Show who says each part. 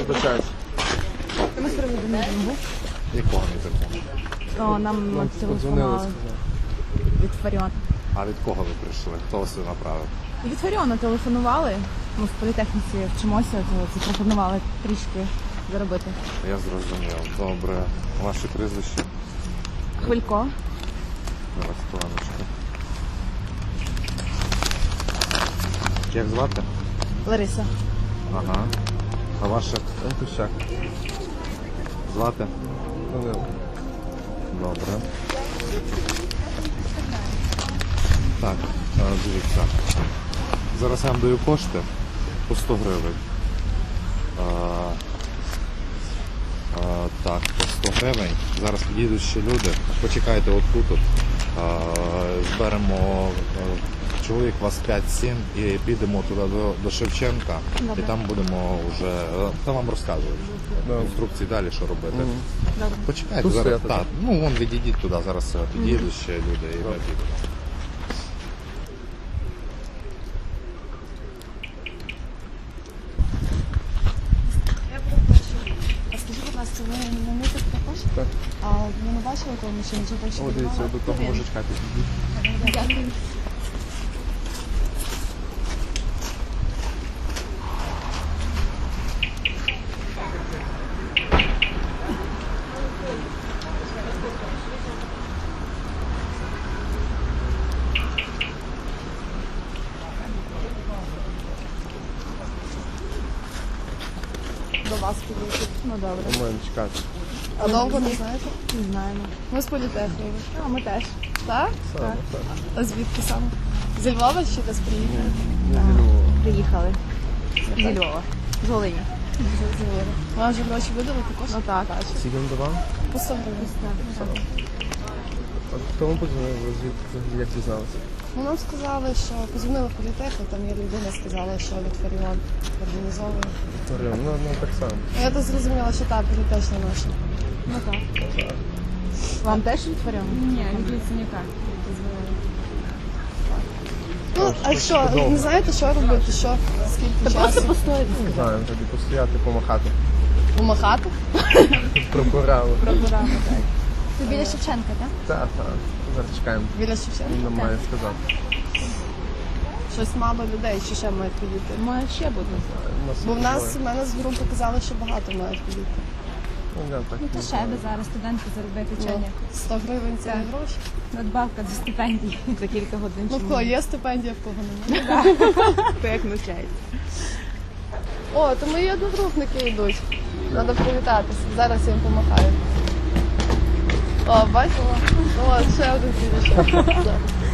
Speaker 1: Вибачаюсь.
Speaker 2: Ми з приводу мітингу був.
Speaker 3: Якого мітингу?
Speaker 2: О, нам телефонували від Фаріона.
Speaker 3: А від кого ви прийшли? Хто вас сюди направив?
Speaker 2: Від Фаріона телефонували. Ми в політехніці вчимося, то запропонували трішки заробити.
Speaker 3: Я зрозумів. Добре. Ваші прізвища?
Speaker 2: Хвилько.
Speaker 3: Зараз, хвилиночку. Як звати?
Speaker 2: Лариса.
Speaker 3: Ага. А ваше?
Speaker 1: Антущак.
Speaker 3: Звати?
Speaker 1: Данило.
Speaker 3: Добре. Так, дивіться. Зараз я вам даю кошти по 100 гривень. Так, по 100 гривень. Зараз підійдуть ще люди. Почекайте отут. Зберемо чоловік вас 5-7 і підемо туди до Шевченка.
Speaker 2: Добре.
Speaker 3: І там будемо вже, там вам розказують.
Speaker 1: Добре.
Speaker 3: Інструкції далі, що робити.
Speaker 2: Добре.
Speaker 3: Почекайте
Speaker 1: Тут
Speaker 3: зараз.
Speaker 1: стояти,
Speaker 3: Так,
Speaker 1: так?
Speaker 3: ну вон відійдіть туди, зараз підійдуть ще люди і ви підете.
Speaker 2: А скажіть, будь ласка, ви на мітинг також?
Speaker 1: Так.
Speaker 2: А ви не бачили того мужчину, чи так, що
Speaker 1: О, дивіться, до того мужичка підійдіть.
Speaker 2: Дякую. До вас підійти. Ну добре.
Speaker 1: У мене чекати.
Speaker 2: А довго не знаєте? Не знаємо.
Speaker 4: Ми з політехніки.
Speaker 2: А ми теж.
Speaker 4: Так?
Speaker 1: Саме, так.
Speaker 4: А звідки саме? Зі Львова чи десь приїхали?
Speaker 1: Не зі Львова.
Speaker 2: Приїхали. Зі Львова. З Волині.
Speaker 4: Зі Львова. Вам вже гроші видали також?
Speaker 2: Ну так.
Speaker 1: Скільки він давав?
Speaker 4: По 100 гривень.
Speaker 1: А хто вам подзвонив? Ви звідки взагалі як дізналися?
Speaker 4: Ну, нам сказали, що позвонили в політехніку, там є людина, сказала, що від Фаріон організовує.
Speaker 1: Ну так само.
Speaker 4: Ну, я так зрозуміла, що так, політична наша.
Speaker 2: Ну так. Вам теж відтворюємо?
Speaker 5: Ні, від ліцензіка дозволили.
Speaker 4: Ну, а що, не знаєте, що робити, що, скільки часу?
Speaker 2: постоїти.
Speaker 1: Не знаю, тоді постояти, помахати.
Speaker 4: Помахати?
Speaker 1: Прокурали.
Speaker 4: Програми, так.
Speaker 2: Це біля Шевченка, так?
Speaker 1: Так. Зараз чекаємо.
Speaker 4: Біля Шевченка?
Speaker 1: Він нам має сказати.
Speaker 4: Щось мало людей, чи ще мають підійти?
Speaker 2: Має ще бути.
Speaker 4: Бо в мене з групи казали, що багато мають підійти.
Speaker 1: Так.
Speaker 5: Та ще би зараз студентки заробити
Speaker 4: Ну,
Speaker 5: вчення.
Speaker 4: 100 гривень це не гроші.
Speaker 5: Надбавка до стипендії.
Speaker 2: За кілька годин.
Speaker 4: Ну, в кого є стипендія, в кого немає.
Speaker 2: Хто як навчається.
Speaker 4: О, то мої одногрупники йдуть. Треба привітатися. Зараз я їм помахаю. О, бачила? О, ще один підійшов.